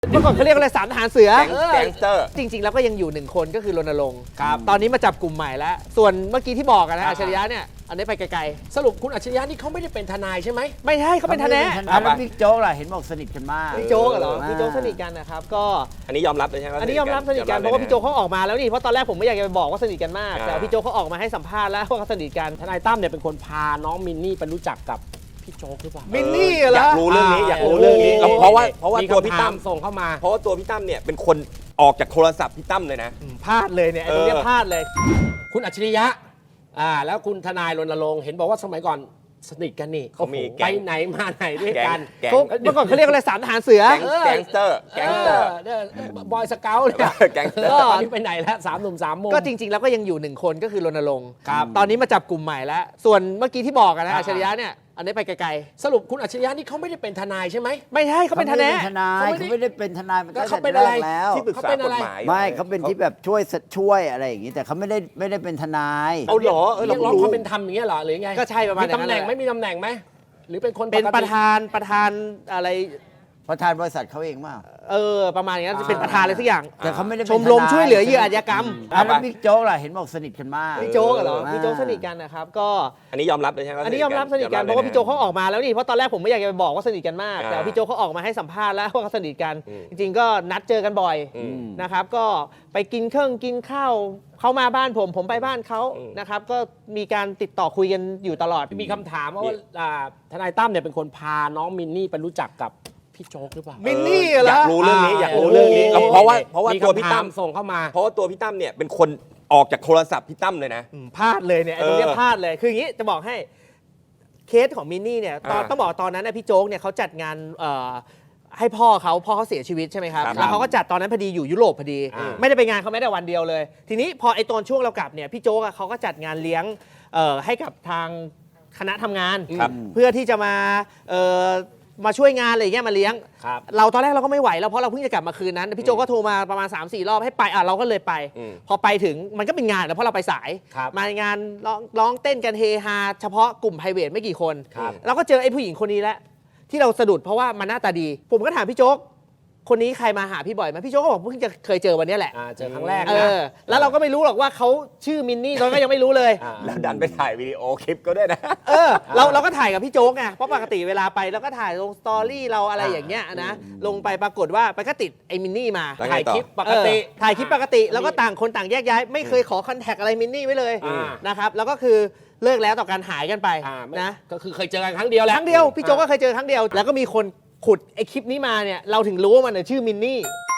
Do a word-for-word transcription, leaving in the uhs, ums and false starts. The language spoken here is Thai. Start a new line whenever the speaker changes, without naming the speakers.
เมื่อก่อนเขาเรียกอะไรสามทหารเสือ
แก๊งสเตอร์
จริงๆแล้วก็ยังอยู่หนึ่งคนก็คือรณรงค์ครับตอนนี้มาจับกลุ่มใหม่แล้วส่วนเมื่อกี้ที่บอกกันนะอัจฉริยะเนี่ยอันนี้ไปไกลๆ
สรุปคุณอัจฉริยะนี่เขาไม่ได้เป็นทนายใช่ไหม
ไม่ใช่เขาเป็นทนาย
แล้วบิ๊กโจ๊กล่ะเห็นบอกสนิทกันมาก
พี่โจ๊กเหรอพี่โจ๊กสนิทกันนะครับก็
อันนี้ยอมรับเลยใช่ไหม
อันนี้ยอมรับสนิทกันเพราะว่าพี่โจ๊กเขาออกมาแล้วนี่เพราะตอนแรกผมไม่อยากจะไปบอกว่าสนิทกันมากแต่พี่โจ๊กเขาออกมาให้สัมภาษณ์แล้วว่าเขาสนิทกัน
ทนายตั้มเนี่ยเป็นคนพาน้องมินนี่ไปรู้จักกับพี่โจ๊กหรือเปล่า
มินนี่เหรอ
อยากรู้เรื่องนี้อยากรู้เรื่องนี้เพราะว่าเพราะว่าตัวพี่ตั้ม
ส่งเข้ามา
เพราะว่าตัวพี่ตั้มเนี่ยเป็นคนออกจากโทรศัพท์พี่ตั้มเลยนะ
พลาดเลยเนี่ยไอ้ตรงเนี้ยพลาดเลย
คุณอัจฉริยะอ่าแล้วคุณทนายรณรงค์เห็นบอกว่าสมัยก่อนสนิทกันนี่
เขามี
โอ้โห
แก๊
ไป
ง
ไหนมาไหนด้วยกัน
แก๊ง
เขาเมื่อก่อนเขาเรียกอะไรสามทหารเสือ
แก๊งสเตอร์แก๊งสเตอร์
บอยสเกลเนี่ย
แก๊งสเตอ
ก็
ร์
ตอนนี้ไปไหนแล้วสามหนุ่มสามมุม
ก็จริงๆแล้วก็ยังอยู่หนึ่งคนก็คือรณรงค์
ครับ
ตอนนี้มาจับกลุ่มใหม่แล้วส่วนเมื่อกี้ที่บอกกันนะ
อ่า
อัจฉริยะเนี่ยอันนี้ไปไกล
สรุปคุณอัจฉริยะนี่เขาไม่ได้เป็นทนายใช่ไหม
ๆไม่ใช่เขาเป็นทนาย
ทนายเขาไม่ได้เป็นทนายมันตั้ง
เขา
แต่
เป็น
แร
อะไร
กแล้ว
ที่ปรึกษา
เขาเป็น
ก
อะไร
ฎหมาย
ไม่เขาเป็นที่แบบช่วยช่วยอะไรอย่างนี้แต่เขาไม่ได้ไม่ได้เป็นทนาย
เอาเหรอเออ
เรี
เรา
ยกร้อง
รู้
ความเป็นธรรมอย่างเงี้ยเหรอหรือไง
ก็ใช่ประมาณ
มีตำแหน่ง
นั้นแหละ
ไม่มีตำแหน่งไหมหรือเป็นคน
เป็น
กติ
ประธานประธานอะไร
ประธานบริษัทเขาเองมาก
เออประมาณอย่างนั้นเป็นประธานอะไรสักอย่าง
แต่เขาไม่ได้เป็น
ชมรม
ทนาย
ช่วยเหลือเหยื่ออาชญากรรม
แล้วบิ๊กโจ๊กล่ะเห็นบอกสนิทกันมาก
พี่โจ๊กเหรอ
อ่า
พี่โจ๊กสนิทกันนะครับก็
อันนี้ยอมรับเลยใช่ไหม
อันนี้ยอมรับสนิทกันเพราะว่าพี่โจ๊กเขาออกมาแล้วนี่เพราะตอนแรกผมไม่อยากจะไปบอกว่าสนิทกันมาก
อ่า
แต่พี่โจ๊กเขาออกมาให้สัมภาษณ์แล้วว่าเขาสนิทกัน
อืม
จริงๆก็นัดเจอกันบ่อย
อืม
นะครับก็ไปกินเครื่องกินข้าวเขามาบ้านผมผมไปบ้านเขา
อืม
นะครับก็มีการติดต่อคุยกันอยู่ตลอด
มีคำถามว่าอ่าทนายตั้มเนี่ยเป็นคนพาน้องมินนี่ไปรู้จักกับพี่โจ๊กหรือเปล่า
มินนี่เหรอ
อยากรู้เรื่องนี้อยากรู้เรื่องนี้เพราะว่าเพราะว่าตัวพี่ตั้ม
ส่งเข้ามา
เพราะว่าตัวพี่ตั้มเนี่ยเป็นคนออกจากโทรศัพท์พี่ตั้มเลยนะ
อืมพลาดเลยเนี่ยไอ้ตรงเนี้ย
เออ
พลาดเลยคืออย่างนี้จะบอกให้เคสของมินนี่เนี่ยตอน
อ่า
ต้องบอกตอนนั้นนะพี่โจ๊กเนี่ยเขาจัดงานเอ่อให้พ่อเขาพ่อเขาเสียชีวิตใช่ไหมครับ
ครับ
แล้วเขาก็จัดตอนนั้นพอดีอยู่ยุโรปพอดี
อ่า
ไม่ได้ไปงานเขาไม่ได้วันเดียวเลย ทีนี้พอไอ้ตอนช่วงเรากลับเนี่ยพี่โจ๊กอะเขาก็จัดงานเลี้ยงเอ่อให้กับทางคณะทำงาน
ครับ
เพื่อที่จะมาเอ่อมาช่วยงานอะไรอย่างเงี้ยมาเลี้ยง
ครับ
เราตอนแรกเราก็ไม่ไหวแล้วเพราะเราเพิ่งจะกลับมาคืนนั้น พี่โจก็โทรมาประมาณ สามสี่ รอบให้ไปอ่ะเราก็เลยไป
อืม
พอไปถึงมันก็เป็นงานแล้วเพราะเราไปสาย
ครับ
มางานร้องร้องเต้นกันเฮฮาเฉพาะกลุ่มไพรเวทไม่กี่คน
ครับ
เราก็เจอไอ้ผู้หญิงคนนี้แหละที่เราสะดุดเพราะว่ามันหน้าตาดี ผมก็ถามพี่โจ๊กคนนี้ใครมาหาพี่บ่อยไหมพี่โจ๊กก็บอกเพิ่งจะเคยเจอวันนี้แหละ
อ่าเจอครั้งแรก
เอ
นะ
อแล้วเราก็ไม่รู้หรอกว่าเขาชื่อมินนี่ตอนนนก็ยังไม่รู้เลย
อ่า
แล้วดันไปถ่ายวิดีโอคลิปก็ด้วยนะ
เออเราเราก็ถ่ายกับพี่โจ๊กไงเพราะปกติเวลาไปเราก็ถ่ายลงสตอรี่เราอะไรอย่างเงี้ยนะลงไปปรากฏว่าไปก็ติดไอ้มินนี่มา
แล้วไง
ถ่าย
ต่อ
คลิปปกติ
เออถ่ายคลิปปกติแล้วก็ต่างคนต่างแยกย้ายไม่เคยขอคอนแทคอะไรมินนี่ไว้เลย
อ่า
นะครับแล้วก็คือเลิกแล้วต่อการหายกันไป
อ่าไม่
นะ
ก็คือเคยเจอกันครั้งเดียวแหละ
ครั้งเดียวพี่โจ๊กก็เคยเจอครั้งเดียว แล้วก็มีคนขุดไอ้คลิปนี้มาเนี่ยเราถึงรู้ว่ามันนะชื่อมินนี่